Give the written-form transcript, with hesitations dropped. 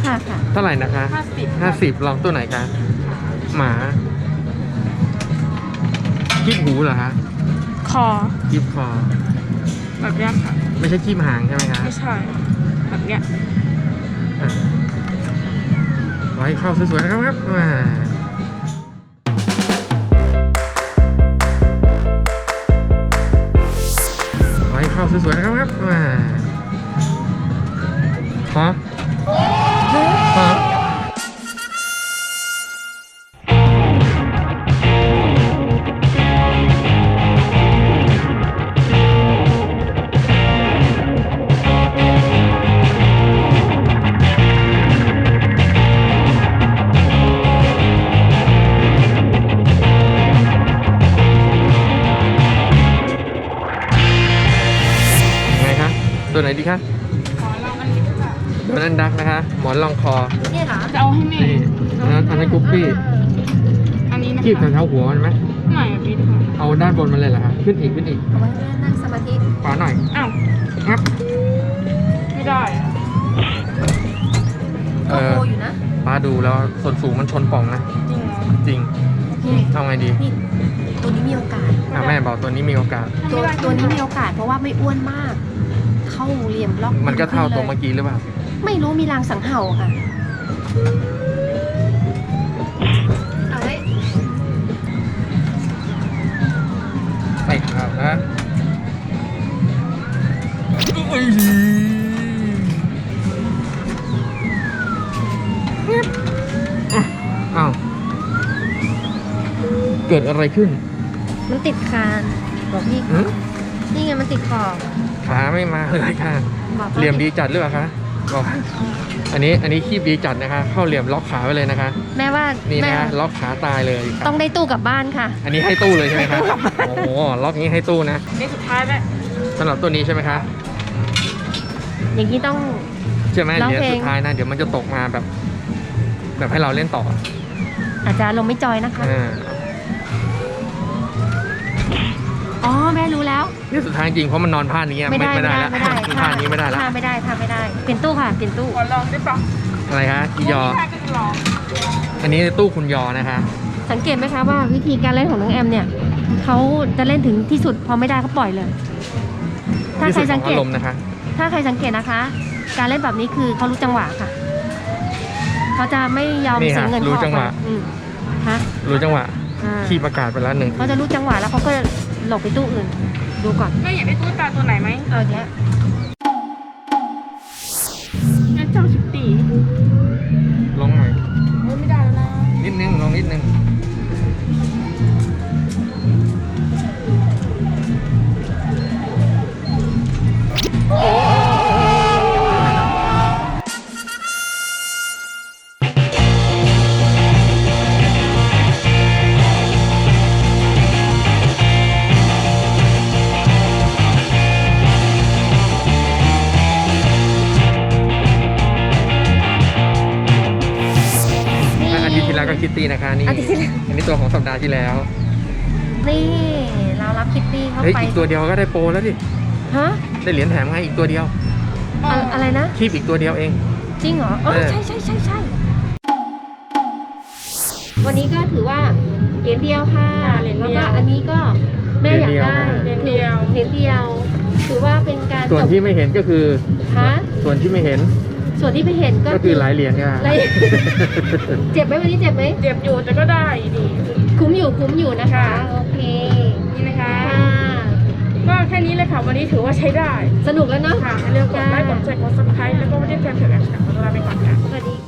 ค่ะเท่าไหร่นะคะ50ลองตัวไหนคะหมาคีบหูเหรอคะคอคีบคอแบบเนี้ยค่ะไม่ใช่คีบหางใช่ไหมคะไม่ใช่แบบเนี้ยไว้เข้าสวยๆนะครับไว้เข้าสวยๆนะครับฮะฮะตัวไหนดีคะขอลองอันนี้ด้วยค่ะโดนัลดักนะคะหมอนรองคอเนี่ยเหรอจะเอาให้แม่นี่อันนั้นกุ๊กกี้อันนี้นะคะคีบแถวๆหัวมันไหมไม่อะพี่ค่ะเอาด้านบนมันเลยเหรอคะขึ้นอีกเอาไว้นั่งสมาธิขวาหน่อยอ้าวงับไม่ได้อะก็โคอยู่นะป้าดูแล้วส่วนสูงมันชนป่องนะจริงเหรอจริงพี่เอาไงดีนี่ตัวนี้มีโอกาสแม่บอกตัวนี้มีโอกาสตัวนี้มีโอกาสเพราะว่าไม่อ้วนมาก เข้าเหลี่ยมล็อกมันก็เท่าตัวขึ้เมื่อกี้หรือเปล่าไม่รู้มีรางสังเห่าค่ะเอาไว้ไปข่าวนะอ้าวเกิดอะไรขึ้นมันติดคานบอกพี่หือนี่ไงมันติดขอบขาไม่มาเลยค่ะบอกขาเหลี่ยมดีจัดหรือเปล่าคะบอกอันนี้คีบดีจัดนะคะ เข้าเหลี่ยมล็อกขาไว้เลยนะคะแม่ว่านี่แม่นะล็อกขาตายเลยครับต้องได้ตู้กลับบ้านค่ะอันนี้ให้ตู้เลยใช่ไหมครับโอ้โหล็อกนี้ให้ตู้นะนี่สุดท้ายแล้วสำหรับตัวนี้ใช่ไหมคะอย่างนี้ต้องใช่ไหมร้องเหรียญเพลงสุดท้ายนะเดี๋ยวมันจะตกมาแบบให้เราเล่นต่ออาจจะลงไม่จอยนะคะ อ๋อแม่รู้แล้วนี่สุดท้ายจริงเพราะมันนอนผ้านี้อะไม่ได้แล้วไม่ได้ผ้านี้ไม่ได้แล้วท่าไม่ได้ท่าไม่ได้เปลี่ยนตู้ค่ะเปลี่ยนตู้ขอลองได้ปะอะไรคะที่ยอไม่ได้ก็จะลองอันนี้ตู้คุณยอนะคะสังเกตไหมคะว่าวิธีการเล่นของน้องแอมเนี่ยเขาจะเล่นถึงที่สุดพอไม่ได้ก็ปล่อยเลย ถ้าที่ใคสุรดขสัอง งเกอาตรมณ์นะคะถ้าใครสังเกตนะคะ การเล่นแบบนี้คือเขารู้จังหวะค่ะเขาจะไม่ยอมนี่เสีฮะยเงินรู้จังหวะฮะรู้จังหวะอ่าขีประกาศไปแล้วหนึ่งเขาจะรู้จังหวะแล้วเขาก็หลบไปตู้อื่น ดูก่อนแม่อยากได้ตุ๊กตาตัวไหนไหมเอาอย่างเงี้ยงั้นเจ้าชิปตีลงหน่อยโอ้ยไม่ได้แล้วนะนิดนึงลงนิดนึงอาทิตย์ที่แล้วก็คิตตี้นะคะนี่อาทิตย์ที่แล้วอันนี้ตัวของสัปดาห์ที่แล้วนี่เรารับคิตตี้เข้าเฮ้ยไปอีกตัวเดียวก็ได้โปรแล้วดิฮะได้เหรียญแถมไงอีกตัวเดียวอะไรนะคีบอีกตัวเดียวเองจริงเหรออ๋อใช่วันนี้ก็ถือว่าเหรียญเดียวค่ะแล้วก็อันนี้ก็แม่อยากได้เหรียญเดียวเหรียญเดียว ถือว่าเป็นการส่วนจบที่ไม่เห็นก็คือฮะส่วนที่ไม่เห็นส่วนที่ไปเห็นก็ก็คือหลายเหรียญค่ะหลาย เจ็บไหมวันนี้เจ็บไหมเจ็บอยู่แต่ก็ได้ดีคุ้มอยู่นะคะค่ะโอเคนี่นะคะค่ะก็แค่นี้เลยค่ะวันนี้ถือว่าใช้ได้สนุกแล้วเนาะค่ะอย่าลืมกดไลค์กดแชร์กด subscribe แล้วก็ไม่ได้แฟนเพจแอปขอตัวลาไปก่อนค่ะสวัสดี